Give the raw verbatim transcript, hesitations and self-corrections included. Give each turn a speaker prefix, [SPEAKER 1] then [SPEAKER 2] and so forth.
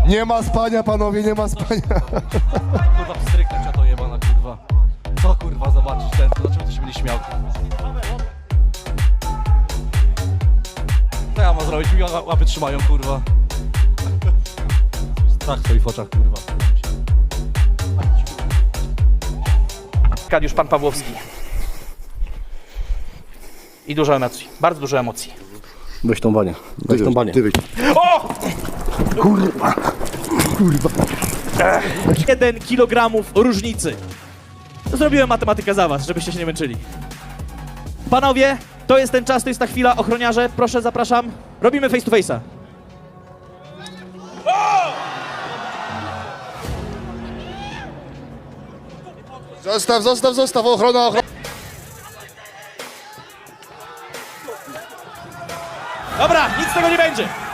[SPEAKER 1] Nie ma spania, panowie, nie ma spania.
[SPEAKER 2] Kurwa, pstryknę cię to jebana, kurwa. Co kurwa, zobaczysz ten, dlaczego ty się będzie śmiał? Co ja mam zrobić? Mi łapy trzymają, kurwa. Strach w twoich oczach, kurwa.
[SPEAKER 3] Arkadiusz Pan Pawłowski. I dużo emocji, bardzo dużo emocji.
[SPEAKER 4] Weź tą banię, weź tą banię. Ty wyjdź.
[SPEAKER 3] O!
[SPEAKER 4] Kurwa, kurwa.
[SPEAKER 3] Jeden kilogramów różnicy. Zrobiłem matematykę za was, żebyście się nie męczyli. Panowie, to jest ten czas, to jest ta chwila. Ochroniarze, proszę, zapraszam. Robimy face to face'a.
[SPEAKER 1] Zostaw, zostaw, zostaw, ochrona, ochrona.
[SPEAKER 3] Dobra, nic z tego nie będzie.